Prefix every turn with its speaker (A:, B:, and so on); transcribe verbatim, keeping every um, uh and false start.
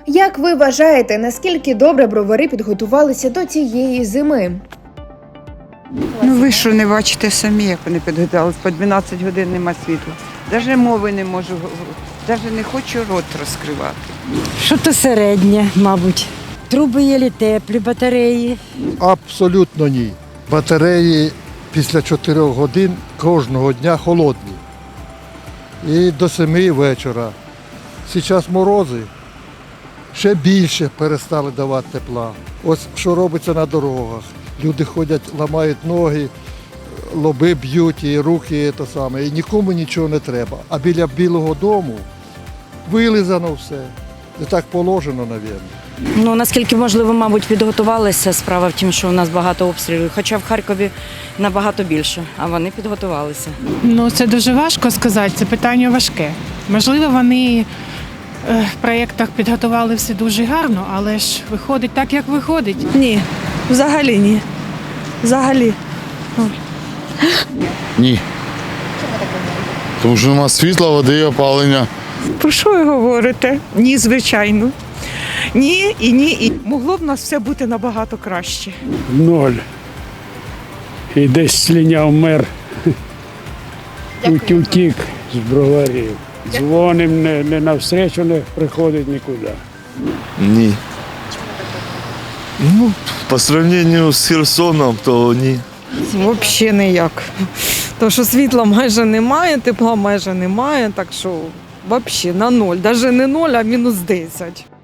A: Як ви вважаєте, наскільки добре бровари підготувалися до цієї зими?
B: Ну ви що не бачите самі, як вони підготувалися, по дванадцять годин нема світла. Навіть мови не можу, навіть не хочу рот розкривати.
C: Що то середнє, мабуть. Труби є теплі, батареї.
D: Абсолютно ні. Батареї після чотирьох годин кожного дня холодні. І до семи вечора. Зараз морози, ще більше перестали давати тепла. Ось що робиться на дорогах. Люди ходять, ламають ноги, лоби б'ють, і руки, і те саме. І нікому нічого не треба. А біля Білого дому вилизано все. І так положено, мабуть.
E: Ну, наскільки можливо, мабуть, підготувалися. Справа в тім, що у нас багато обстрілів. Хоча в Харкові набагато більше, а вони підготувалися.
F: Ну, це дуже важко сказати, це питання важке. Можливо, вони е, в проєктах підготували все дуже гарно, але ж виходить так, як виходить.
G: Ні, взагалі ні. Взагалі.
H: Ні. Тому що нема світла, води і опалення.
I: Про що ви говорите? Ні, звичайно. Ні і ні. І могло б у нас все бути набагато краще.
J: Ноль. І десь сліняв мер. Утік з броварів. Дзвоним, не, не навстречу не приходить нікуди.
H: Ні. Ну, по сравненню з Херсоном, то ні.
G: Взагалі ніяк. Тому що світла майже немає, тепла майже немає, так що взагалі на ноль. Навіть не ноль, а мінус десять.